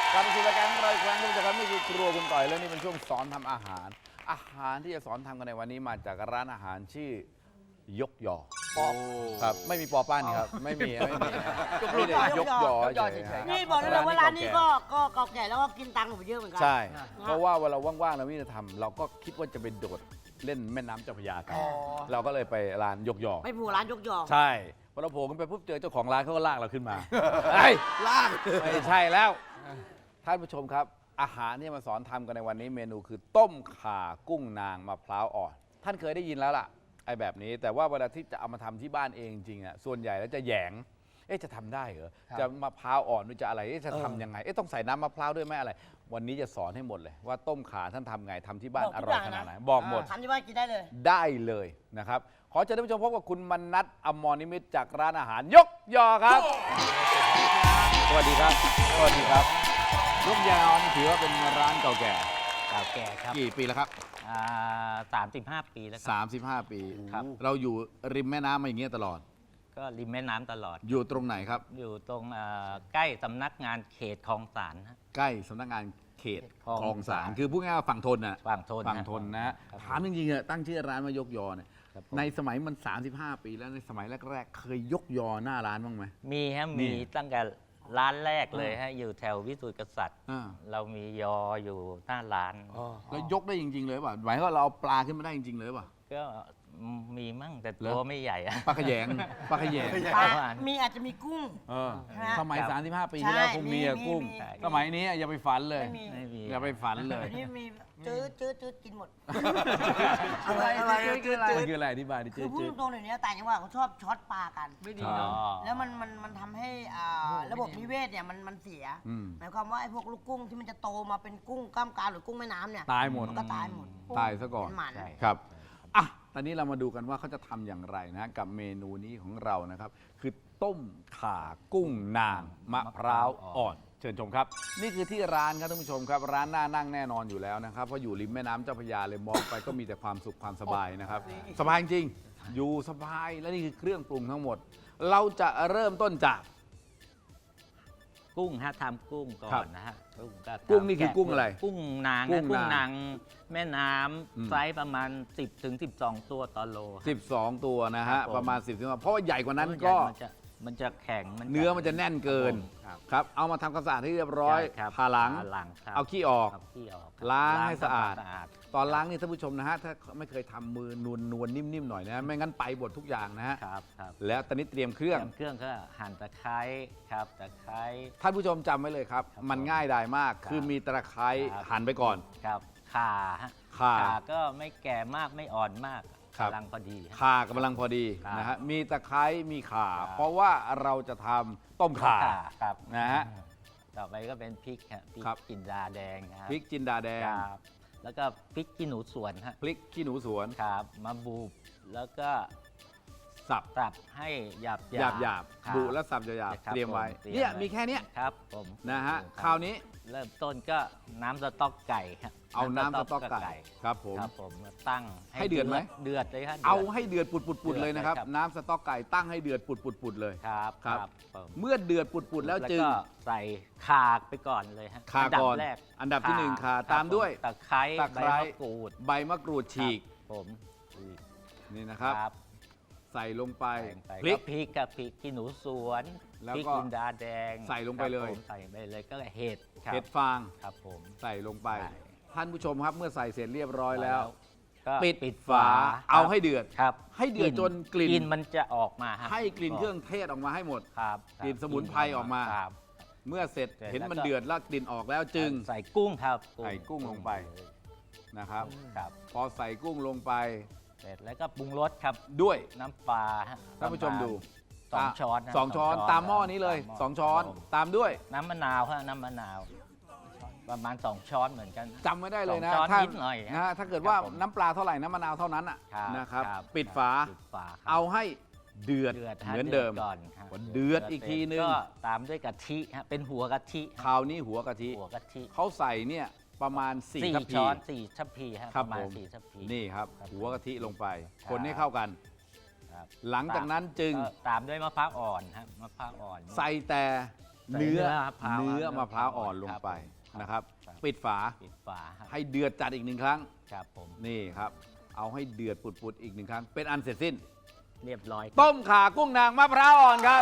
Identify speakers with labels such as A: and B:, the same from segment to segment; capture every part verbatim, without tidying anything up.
A: กลับมาสู่รายการของเราอีกครั้งทุกท่านครับนี่คือครัวคุณต่อยแล้วนี่เป็นช่วงสอนทำอาหาร อาหารที่จะสอนทำกันในวันนี้มาจากร้านอาหารชื่อยกยอครับไม่มีปอป้านนี่ครับไม่มีไม่มีไม่ได้ยกยอเฉยๆ
B: นี่บอกได้เลยว่าร้านนี้ก็ก็เก่าแก่แล้วก็กินตังค์ผมเยอะเหมือนกั
A: ใช่เพราะว่าเวลาว่างๆเราไม่ได้ทำเราก็คิดว่าจะไปโดดเล่นแม่น้ำเจ้าพระยากันเราก็เลยไปร้านยกยอ
B: ไม่ผูร้านยกยอ
A: ใช่พอเราโผล่ขึ้นไปปุ๊บเจอเจ้าของร้านเขาก็ลากเราขึ้นมาไอ้ลากไม่ใช่แล้วท่านผู้ชมครับอาหารที่มาสอนทำกันในวันนี้เมนูคือต้มข่ากุ้งนางมะพร้าวอ่อนท่านเคยได้ยินแล้วล่ะไอ้แบบนี้แต่ว่าเวลาที่จะเอามาทำที่บ้านเองจริงอ่ะส่วนใหญ่แล้วจะแหยงเอ๊ะจะทำได้เหรอจะมะพร้าวอ่อนหรือจะอะไรเอ๊ะจะทำยังไงเอ๊ะต้องใส่น้ำมะพร้าวด้วยไหมอะไรวันนี้จะสอนให้หมดเลยว่าต้มข่าท่านทำไงทำที่บ้านอร่อยขนาดไหนบอกหมด
B: ทำที่บ้านกินได้เลย
A: ได้เลยนะครับขอเชิญท่านผู้ชมพบกับคุณมนัสอมรนิมิตจากร้านอาหารยกยอครับสวัสดีครับสวัสดีครับยกยอนี่ถือว่าเป็นร้านเก่าแก่
C: เก่าแก่ครับ
A: กี่ปีแล้วครับ
C: สามสิบห้าปีแล้วครับ
A: สามสิบห้าปี
C: ครับ
A: เราอยู่ริมแม่น้ำมาอย่างเงี้ยตลอด
C: ก็ริมแม่น้ำตลอด
A: อยู่ตรงไหนครับ
C: อยู่ตรงอ่าใกล้สำนักงานเขตคลองสานฮะ
A: ใกล้สำนักงานเขต
C: คลอง
A: คลองสาร
C: สาร
A: คือพูดง่ายๆว่าฝั่งทนน่ะ
C: ฝั่งทน
A: ฝั่งทนนะฮะ
C: ครับ
A: ถามจริงๆอะตั้งชื่อร้านว่ายกยอเนี่ย
C: ครับผม
A: ในสมัยมัน สามสิบห้า ปีแล้วในสมัยแรกๆ เคยยกยอหน้าร้านบ้างไหม
C: มีฮะ
A: นี่
C: มีตั้งแต่ร้านแรกเลยฮะอยู่แถววิสุทธิกษัตริย์
A: อ่า
C: เรามียออยู่หน้าร้าน
A: แล้วยกได้จริง ๆ เลยป่ะหมายว่าเราเอาปลาขึ้นมาได้จริง ๆ เลยป่ะ
C: ก็มีมั่งแต่
A: เหรอ
C: ตัวไม่ใหญ่อะ
A: ปลาขยงปลาขยง
B: ปลา
C: ประมาณ
B: มีอาจจะมีกุ้ง
A: เออ
B: ฮะ
A: สมัย
C: ครับ
A: สามสิบห้า ปีที่แล้ว
B: ใช่
A: คงมีอะ
B: มี
A: กุ้ง
B: มีมี
A: สมัยนี้อย่าไปฝันเลย
B: ไม่มี
C: ไม่มี
A: อย่าไปฝันเลย
B: นี่มีจืดจืดจืดกินหมด
A: อะไรอะไรคืออะไรมันคืออะไรอธิบายดิ
B: คื
A: เจ๊
B: อพูด
A: เจ๊
B: ตรงๆเดี๋ยวนี้ต่างจังหวัดเขาชอบช็อตปลากัน
A: ไม่ดี
C: อ๋อ
B: แล้วมันมันมันทำให้อ่าระบบนิเวศเนี่ยมันมันเสีย
A: อืม
B: หมายความว่าไอ้พวกลูกกุ้งที่มันจะโตมาเป็นกุ้งกล้ามกรามหรือกุ้งแม่น้ำเนี่ย
A: ตายหมด
B: มันก็ตายหมด
A: ตายซะก่อน
B: เป็นหมัน
C: ใช่
A: ครับอ่ะตอนนี้เรามาดูกันว่าเขาจะทำอย่างไรนะกับเมนูนี้ของเรานะครับ คือต้มข่ากุ้งนางมะพร้าวอ่อน เชิญชมครับ นี่คือที่ร้านครับท่านผู้ชมครับ ร้านน่านั่งแน่นอนอยู่แล้วนะครับเพราะอยู่ริมแม่น้ำเจ้าพระยาเลยมองไปก็มีแต่ความสุขความสบายนะครับ สบายจริงอยู่สบายและนี่คือเครื่องปรุงทั้งหมด เราจะเริ่มต้นจาก
C: กุ้งฮะทำกุ้งก่อ
A: ครั
C: น
A: บ
C: นะฮะกุ้งก็ทำ
A: กุ้งนี่คือ
C: แกะ
A: กุ้งอะไร
C: กุ้งนาง
A: กุ้
C: ฮะ
A: ง
C: กุ้ง
A: นาง
C: นางแม่น้
A: อืม
C: ำไซส์ประมาณ สิบถึงสิบสอง ตัวต่อโล
A: สิบสอง ตัวนะ
C: ครั
A: ฮะ
C: บผม
A: ประมาณสิบตัวเพราะว่าใหญ่กว่านั้นก็
C: มันจะมันจะแข็ง
A: เนื้อมันจะแน่นเกิน
C: ครับ
A: ครับเอามาทำความสะอาดให้เรียบร้อย
C: ใช่ครับ
A: ผ่าหลัง
C: ผ่าหลังครับ
A: เอาขี้ออก
C: เอาขี้ออกครับ
A: ล้างให้สะอาด
C: ทำควมสะอาด
A: ตอนล้างนี่ท่านผู้ชมนะฮะถ้าไม่เคยทำมือนวลนวลๆนิ่มๆหน่อยนะไม่งั้นไปบดทุกอย่างนะฮะ
C: ครับครับ
A: แล้วตอนนี้เตรียมเครื่อง
C: เตรียมเครื่องก็หั่นตะไคร้ครับตะไคร้
A: ท่านผู้ชมจำไว้เลยครับ
C: ครับ
A: มันง่ายดายมาก
C: ครับ
A: คือมีตะไคร้
C: ครับ
A: หั่นไปก่อน
C: ครับข่าฮะ
A: ข่า
C: ก็ไม่แก่มากไม่อ่อนมาก
A: ครับ
C: กำลังพอดีฮะ
A: ข่ากำลังพอดี
C: ครับ
A: นะฮะมีตะไคร้มีข่า
C: ครับ
A: เพราะว่าเราจะทำต้มข่า
C: ครับ
A: นะฮะ
C: ต่อไปก็เป็นพริกฮะพริก
A: ครับ
C: จินดาแดงนะคบ
A: พริกจินดาแดง
C: ครับแล้วก็พริกขี้หนูสวนฮะ
A: พริกขี้หนูสวน
C: ครับมาบูบแล้วก็
A: สับ
C: สับให้หยาบ
A: หยาบหยาบ
C: ครับ
A: บุและสับหยาบ
C: ครับ
A: ๆเตรียมไว้
C: ผมเตรียม
A: เนี่ย
C: ไว้
A: มีแค่เนี้ย
C: ครับผม
A: นะฮะ
C: ครับ
A: คราวนี้
C: เริ่มต้นก็น้ำสต๊อกไก่ครับ
A: เอาน้ำสต๊อกไก่ครับผม
C: ครับผมมาตั้ง
A: ให้เดือดไหม
C: เดือดเลยครับ
A: เอาให้เดือดปุดๆๆเลยนะครับ
C: เดือดเลยครับ
A: น้ำสต๊อกไก่ตั้งให้เดือดปุดๆๆเลย
C: ครับ
A: ครับ
C: ผม
A: เมื่อเดือดปุดๆแล้วจึง
C: ก็ใส่ข่าไปก่อนเลยฮะ
A: ข่า
C: อันดับ
A: ก่อน
C: แรก
A: อันดับที่หนึ่งข่า
C: ครับ
A: ตามด้วย
C: ตะไคร้
A: ตะ
C: ใบ
A: ไคร้
C: มะกรูด
A: ใบมะกรูดฉีก
C: ครับผมฉีก
A: นี่นะครับ
C: ครับ
A: ใส่ลงไป
C: ใส่ไป
A: พริก
C: ก็พริกกับพริกขี้หนูสวน
A: แล้ว
C: พริก
A: ก็
C: จินดาแดง
A: ใส่ลงไปเลย
C: ครับผมใส่ไปเลยก็เห็ดครับ
A: เห็ดฟาง
C: ครับผม
A: ใส่ลงไป
C: ใส่
A: ท่านผู้ชมครับเมื่อใส่เสร็จเรียบร้อยแล้ว
C: ก็
A: ปิด
C: ปิด
A: ฝา
C: ฝา
A: เอาให้เดือด
C: ครับ
A: ให้เดือดจนกลิ่น
C: กลิ่นมันจะออกมาฮะ
A: ให้กลิ่นเครื่องเทศออกมาให้หมด
C: ครับครับ
A: กลิ่นสมุนไพรออกมา
C: ครับ
A: เมื่อเสร็จ
C: เสร็จ
A: เห็น
C: แล้ว
A: มัน
C: ก็
A: เดือดแล้วกลิ่นออกแล้วจึง
C: ใส่กุ้งครับ
A: ใส่กุ้งลงไป นะครับ
C: ครับ
A: พอใส่กุ้งลงไป
C: เสร็จแล้วก็ปรุงรสครับ
A: ด้วย
C: น้ำปลาฮะ
A: ท่านผู้ชมดู
C: สองช้อนนะ
A: สองช้อนตามหม้อนี้เลย
C: ตามหม้
A: สองช้อน
C: ครับผม
A: ตามด้วย
C: น้ำมะนาวฮะน้ำมะนาว ประมาณสองช้อนเหมือนกัน
A: จำไม่ได้เลยนะ
C: สองช้อน
A: ถ้า
C: นิดหน่อย
A: นะฮะถ้าเกิดว่า
C: ครับผม
A: น้ำปลาเท่าไหร่น้ำมะนาวเท่านั้นอ่ะ
C: ครับ
A: นะครับ
C: ครับ
A: ปิดฝา
C: ปิดฝาครับ
A: เอาให้เดือด
C: เดือด
A: เหมือนเดิม
C: ก่อนครับ
A: พอเดือดอีกทีนึง
C: ก็ตามด้วยกะทิฮะเป็นหัวกะทิ
A: คราวนี้หัวกะทิ
C: หัวกะทิ
A: เขาใส่เนี่ยประมาณสี่
C: สี่
A: ทัพพี
C: ช้อนสี่ทัพพีฮะ
A: ครั
C: ป
A: บ
C: ระมาณ
A: ผม
C: สี่ทัพพี
A: นี่ครับ
C: ครับ
A: หัวกะทิลงไป
C: ครับ
A: คนให้เข้ากัน
C: ครับ
A: หลังจากนั้นจึง
C: ก็ตามด้วยมะพร้าวอ่อนฮะมะพร้าวอ่อน
A: ใส่แต่
C: ใส่
A: เนื้อ
C: มะพร้าว
A: เนื้อมะพร้าวอ่อนลงไป
C: ครับ
A: นะครับ
C: ครับ
A: ปิดฝา
C: ปิดฝาครับ
A: ให้เดือดจัดอีกหนึ่งครั้ง
C: ครับผม
A: นี่ครับ เอาให้เดือดปุดๆอีกหนึ่งครั้ง เป็นอันเสร็จสิ้น
C: เรียบร้อยครับ
A: ต้มข่ากุ้งนางมะพร้าวอ่อนครับ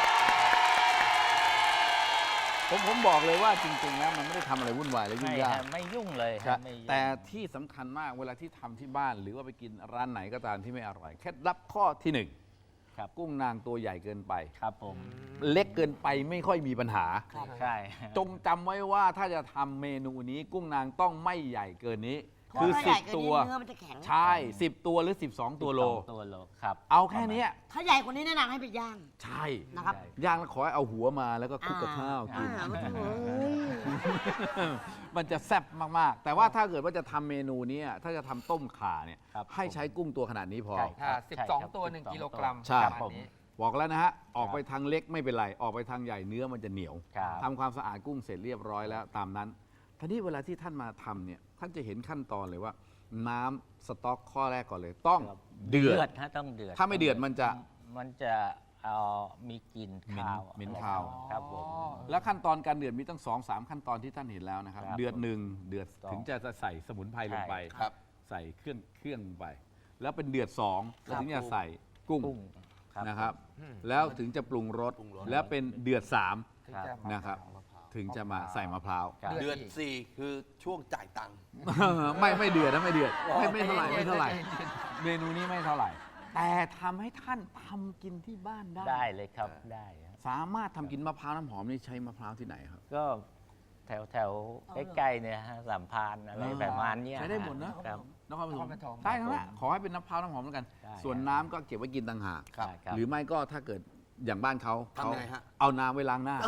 A: ผมผมบอกเลยว่าจริง ๆ แล้วมันไม่ได้ทำอะไรวุ่นวายและยุ่
C: ไม่
A: งยา
C: ฮะ
A: ก
C: ไม่ยุ่งเลย
A: ครั
C: ฮะ
A: บ
C: ไม่ยุ่ง
A: แต่ที่สำคัญมากเวลาที่ทำที่บ้าน หรือว่าไปกินร้านไหนก็ตามที่ไม่อร่อยเคล็ดลับข้อที่หนึ่ง
C: ครับ
A: กุ้งนางตัวใหญ่เกินไป
C: ครับผม
A: เล็กเกินไปไม่ค่อยมีปัญหา
C: ใช่
A: จงจำไว้ว่าถ้าจะทำเมนูนี้กุ้งนางต้องไม่ใหญ่เกินนี้
B: เพราะ
A: คือ
B: ถ้าใหญ่
A: สิบ
B: เกิน
A: ตั
B: นี้
A: ว
B: เนื้อมันจะแข็ง
A: ใช่สิบตัวหรือสิบสองตัวโล
C: สิบสองตัวโลครับ
A: เอาแค่เนี้ย
B: ถ้าใหญ่กว่านี้แนะนำให้ไปย่าง
A: ใช่
B: นะครับ
A: ย่างแล้วขอให้เอาหัวมาแล้วก็คลุกกับข้าวกิน
B: อ่ามันจะเอ้ย
A: มันจะแซ่บมากๆ แต่ว่าถ้าเกิดว่าจะทำเมนูเนี้ยถ้าจะทำต้มข่าเนี่ย
C: ครับ
A: ให้ใช้กุ้งตัวขนาดนี้พอ
C: ใช่
D: ค่ะ
C: ใช่
D: สิบสอง
C: ครับ
D: ตัวหนึ่ง
C: สิบสอง
D: กิโลกรัม
A: ใช่
D: ประมาณนี้
A: บอกแล้วนะฮะ ออกไปทางเล็กไม่เป็นไร ออกไปทางใหญ่เนื้อมันจะเหนียว
C: ครับ
A: ทำความสะอาดกุ้งเสร็จเรียบร้อยแล้วตามนั้นทีนี้เวลาที่ท่านมาทำเนี่ยท่านจะเห็นขั้นตอนเลยว่า น้ำสต๊อกข้อแรกก่อนเลย ต้อง
C: ครับ
A: เดือด
C: ฮะต้องเดือด
A: ถ้าไม่เดือดมันจะ
C: มันจะเอามีกลิ่น
A: เหม็น
C: คาว
A: เหม็น
C: อะไร
A: คาว
C: ครับผม
A: แล้วขั้นตอนการเดือดมีตั้งสองสามขั้นตอนที่ท่านเห็นแล้วนะครับ
C: ครับ
A: เดือดหนึ่งเดือด
C: สอง
A: ถึงจะใส่สมุนไพรลงไป
C: ใช่ครับ
A: ใส่เครื่องเครื่องลงไป แล้วเป็นเดือดสอง
C: ครับ
A: ถึงจะใส่กุ้ง
C: กุ้งครับ
A: นะครับ
D: อืม
A: แล้วถึงจะปรุงรสแล้วเป็นเดือดสาม
D: ถึง
C: ครับ
D: จะมา
A: นะครับ ถึงจะมาใส่มะพร้าว
C: ครับ
D: เดื
E: เดื
D: อ
E: อน นสี่คือช่วงจ่ายตังค์
A: ไม่ไม่เดือดนะไม่เดือดไม่ไม่เท่าไหร่
D: ใจเย็น
A: ไม่เท่าไหร่
D: ใจเย็น
A: เมนูนี้ไม่เท่าไหร่ แต่ทำให้ท่านทำกินที่บ้านได้
C: ได้เลยครับได้ครับ
A: สามารถทำกินมะพร้าวน้ำหอมนี่ใช้มะพร้าวที่ไหนครับ
C: ก็แถวแถวใกล้ๆเนี่ยฮะสามพรานอะไรประมาณเนี้ย
A: ใช้ได้หมดนะ
C: ครับ
A: นครปฐ
D: นค
A: ม
D: รปฐม
A: ได้ทั้งนั้นขอให้เป็นมะพร้าวน้ำหอมแล้วกัน
C: ได้
A: ส่วนน้ำก็เก็บไว้กินต่างหาก
C: ครับครับ
A: หรือไม่ก็ถ้าเกิดอย่างบ้านเขาเขา
E: ทำไงฮะ
A: เอาน้ำไว้ล้างหน้า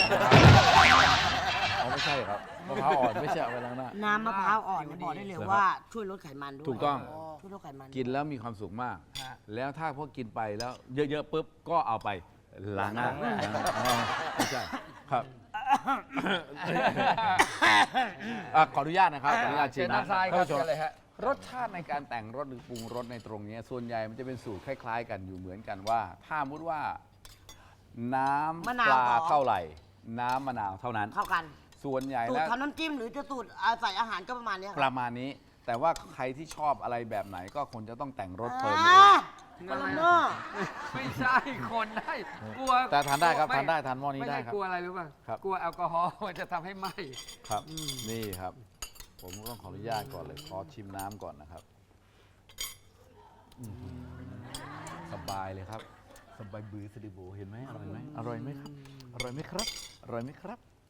A: เอาไม่ใช่ครับมะพร้าวอ่อนไม่ใช่เอาไว้ล้างหน้า
B: น้ำมะพร้าวอ่อนเนี่ยบอกได้เลย
A: เหรอครับ
B: ว่าช่วยลดไขมันด้วย
A: ถูกต้อง
B: ช่วยลดไขมัน
A: กินแล้วมีความสุขมาก
D: ฮะ
A: แล้วถ้าพวกกินไปแล้วเยอะๆปุ๊บก็เอาไปล้างหน้า
C: ล้างหน้า
A: อ๋อไม่ใช่ครับอ่ะขออนุญาตนะครับขออนุญาตชิ
D: เชิ
A: ม
D: ญ
A: นะ
D: ด้านซ้ายค
A: ท่าน
D: รับ
A: ผู้ชม
D: เชิญเลยฮะ
A: รสชาติในการแต่งรสหรือปรุงรสในตรงนี้ส่วนใหญ่มันจะเป็นสูตรคล้าย ๆ กันอยู่เหมือนกันว่า ถ้ามุดว่า น้ำ
B: มะนาว
A: ปลา
B: พอ
A: เท่าไหร่ น้ำมะนาวเท่านั้น
B: เข้ากัน
A: ส่วนใหญ่
B: สูต
A: แล้
B: ร
A: ว
B: ทำน้ำจิ้มหรือจะสูตรอ่าใส่อาหารก็ประมาณเนี้ย
A: ประมาณนี้ แต่ว่าใครที่ชอบอะไรแบบไหนก็คงจะต้องแต่งรสเพิ่มเอ
B: อ่าง กระเนาะ
D: ไม่ใช่คนได้กลัว
A: แต่ทานได้ครับ
D: ม่
A: ทานได้ทานหม้อนี้
D: ไม่
A: ได้
D: ใช่
A: ครับ
D: กลัวอะไรรู้ป่ะ
A: ครับ
D: กลัวแอลกอฮอล์มันจะทำให้ไหม้
A: ครับนี่ครับ ผมก็ต้องขออนุญาตก่อนเลยขอชิมน้ำก่อนนะครับอื้อหือสบายเลยครับ สบายบือสดิโบเห็นไหมอร่อยไหมอร่อยไหมครับอร่อยไหมครับอร่อยไหมครับ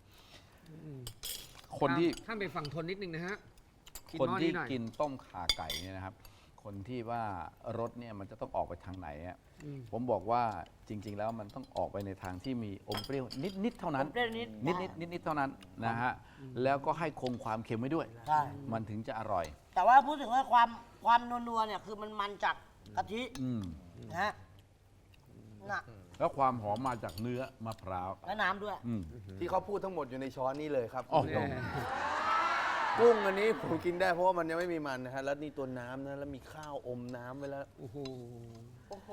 A: คนที่
D: ท่านไปฝั่งทนนิดนึงนะฮะกิน
A: คน
D: หม้อ
A: ที่
D: นี้หน่อย
A: กินต้มข่าไก่เนี่ยนะครับ คนที่ว่ารสเนี่ยมันจะต้องออกไปทางไหนอะ
D: อืม
A: ผมบอกว่าจริง ๆ แล้วมันต้องออกไปในทางที่มีอมเปรี้ยวนิดๆเท่านั้น
B: อมเปรี้ยวนิด
A: นิดๆนิดๆเท่านั้นนะฮะแล้วก็ให้คงความเค็มไว้ด้วย
B: ใช่
A: มันถึงจะอร่อย
B: แต่ว่าพูดถึงว่าความความนัวๆเนี่ยคือมันมันจากกะทิ
A: อืม
B: นะฮะน่ะ
A: แล้วความหอมมาจากเนื้อมะพร้าว
B: และน้ำด้วย
A: อืม
E: ที่เขาพูดทั้งหมดอยู่ในช้อนนี้เลยครับ
A: โอ้โห
D: แน่
E: กุ้งอันนี้ผมกินได้เพราะว่ามันยังไม่มีมันนะฮะ แล้วนี่ตัวน้ำนะ แล้วมีข้าวอมน้ำไว้แล้ว
D: โอ้โห
B: โอ้โห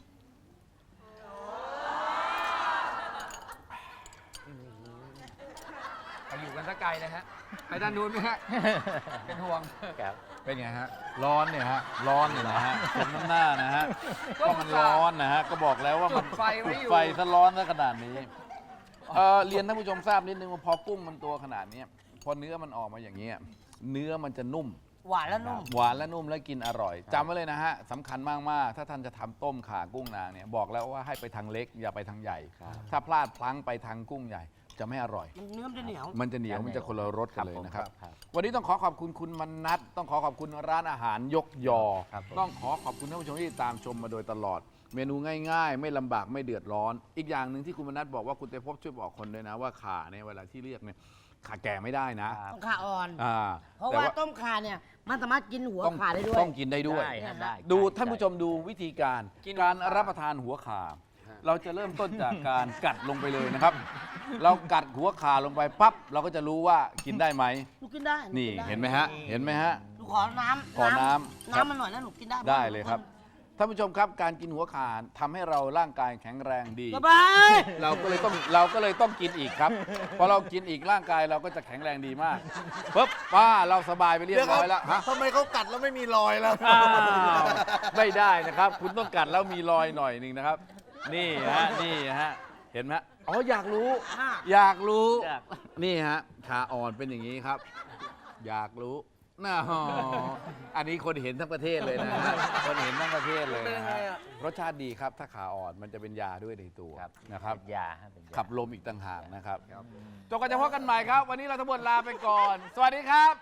D: ไปอยู่กันสักไกลเลยฮะไปด้านนู้นไหมฮะเป็นห่วง
C: ครับ
A: เป็นไงฮะ ร้อนเนี่ยฮะ ร้อนเนี่ยนะฮะสมน้ำหน้านะฮะ ก็มันร้อนนะฮะ ก็บอกแล้วว่ามัน
D: จุดไฟไว้อยู่
A: จุดไฟซะร้อนซะขนาดนี้ เอ่อเรียนท่านผู้ชมทราบนิดนึงว่าพอกุ้งมันตัวขนาดเนี้ยพอเนื้อมันออกมาอย่างเงี้ยเนื้อมันจะนุ่ม
B: หวานและนุ่ม
A: หวานและนุ่มและกินอร่อยจำไว้เลยนะฮะสำคัญมาก ๆ ถ้าท่านจะทำต้มข่ากุ้งนางเนี่ยบอกแล้วว่าให้ไปทางเล็กอย่าไปทางใหญ่ ถ้าพลาดพลั้งไปทางกุ้งใหญ่จะไม่อร่อย
B: มันเนื้อมันจะเหนียว
A: มันจะเหนียวมันจะคนละรสกันเลยนะครับ
C: ครับ
A: วันนี้ต้องขอขอบคุณคุณมนัทต้องขอขอบคุณร้านอาหารยกยอ
C: ครับผม
A: ต้องขอขอบคุณท่านผู้ชมที่ตามชมมาโดยตลอด เมนูง่ายๆ ไม่ลำบากไม่เดือดร้อน อีกอย่างหนึ่งที่คุณมนัทบอกว่าคุณเตพบช่วยบอกคนด้วยนะว่าข่าเนี่ยเวลาที่เรียกเนี่ยข่าแก่ไม่ได้นะ
C: ครับ
B: ต้องขาอ่อน
A: อ่า
B: เพราะ
A: แต่
B: ว่าต้มขาเนี่ยมันสามารถกินหัว
A: ต้อง
B: ขาได้ด้วย
A: ต้องกินได้ด้วย
C: ได้ฮะได้
A: ดู
C: ใช่
A: ท่านผู้ชมดูวิธีการ
D: กิน
A: การรับประทานหัวขาเราจะเริ่มต้นจากการกัดลงไปเลยนะครับ เรากัดหัวขาลงไปปั๊บเราก็จะรู้ว่ากินได้ไหม
B: หนูกินได้
A: นี่
B: กิด้
A: เห็นไหมฮะเห็นไหมฮะ
B: หนูขอน้ำ
A: ขอน้ำ
B: น้ำมันหน่อยนะหนูกินได้
A: ได้เลยครับท่านผู้ชมครับการกินหัวข่าทำให้เราร่างกายแข็งแรงดี
B: สบาย
A: เราก็เลยต้องเราก็เลยต้องกินอีกครับพอเรากินอีกร่างกายเราก็จะแข็งแรงดีมากปุ๊บป้าเราสบายไปเรียบร้อยแล้วฮะ
E: ทำไมเขากัดแล้วไม่มีรอยแล้ว
A: อ้าวไม่ได้นะครับ คุณต้องกัดแล้วมีรอยหน่อยหนึ่งนะครับ นี่ฮะนี่ฮะเห็นไหมอ๋ออยากรู้ อยากรู้
C: อยาก
A: นี่ฮะขาอ่อนเป็นอย่างนี้ครับ อยากรู้น่าฮะอันนี้คนเห็นทั้งประเทศเลยนะฮะคนเห็นทั้งประเทศเลยนะฮะรสชาติดีครับถ้าขาอ่อนมันจะเป็นยาด้วยในตัว
C: ครับ
A: นะครับ
C: เป็นยาฮะเป็นยา
A: ขับลมอีกต่างหากนะครับจนกันจะพบกันใหม่ครับ วันนี้เราทั้งหมดลาไปก่อน สวัสดีครับ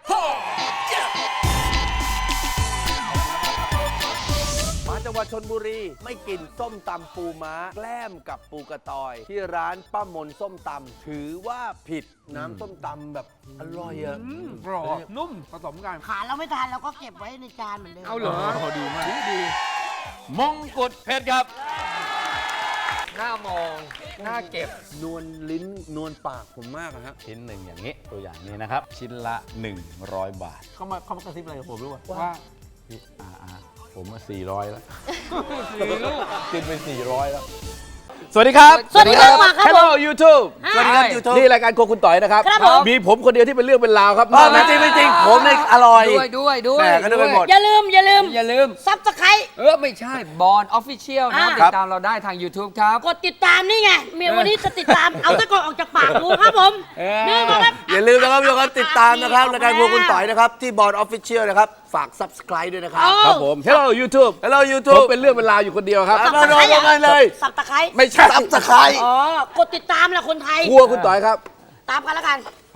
E: มาจังหวัดชนบุรีไม่กินส้มตำปูม้าแกล้มกับปูกระตอย ที่ร้านป้ามนส้มตำถือว่าผิดน้ำส้มตำแบบอร่อยอะ
D: กรอบนุ่มผสมกัน
B: ขาเราไม่ทานเราก็เก็บไว้ในจานเหมือนเดิม
D: เอาเหรอ
A: ดีมากดีมงกุฎเพชรครับ
D: หน้ามองหน้าเก็บ
E: นวลลิ้นนวลปากผมมากอะฮะ
A: ชิ้นหนึ่งอย่างนี้ตัวอย่างนี้นะครับ ชิ้นละ หนึ่งร้อย บาท
E: เขามาเขามากระซิบอะไรกับผมรู้ป่ะ
D: ว่า
A: พี่อาอาผมมาสี่ร้อยแล้วกินไปสี่ร้อยแล้ว สวัสดีครับ
B: สวัสดีครับมาครับ
A: Hello YouTube
B: อ่า
E: สวัสดีครับยูทูบ
A: นี่รายการโครัวคุณต่อยนะครับ
B: ครับผม
A: มีผมคนเดียวที่เป็นเรื่องเป็นราวครับ
E: ไม่จริงไม่จริงผมเนี่ยอร่อย
D: ด้วยด้วยด้วย
E: แหม่ก็นึกไปหมด
B: อย่าลืมอย่าลืม
D: อย่าลืม
B: ซับสไคร
D: เออ ไม่ใช่บอลออฟฟิเชียลนะ
B: อ่า
D: ติดตามเราได้ทาง YouTube ครับ
B: กดติดตามนี่ไงเมียวันนี้จะติดตาม เอาตะกอนออกจากปากกูครับผม
D: เออ
B: นี่มาครับ
E: อย่าลืมนะครับทุกคนติดตามนะครับรายการพวกคุณต่อยนะครับที่บอร์ดออฟฟิเชียลนะครับฝาก Subscribe ด้วยนะครับ
B: เออ
A: ครับผม Hello YouTube
E: Hello
A: ผม
E: YouTube
A: เป็นเรื่องเป็นราวอยู่คนเดียวครับ
E: มาโดนกันเลย
B: สับตะไคร้
A: ไม่ใช่
E: Subscribe
B: อ๋อกดติดตามแหละคนไทย
A: ครัวคุณต่อยครับ
B: ตามกันแล้วกัน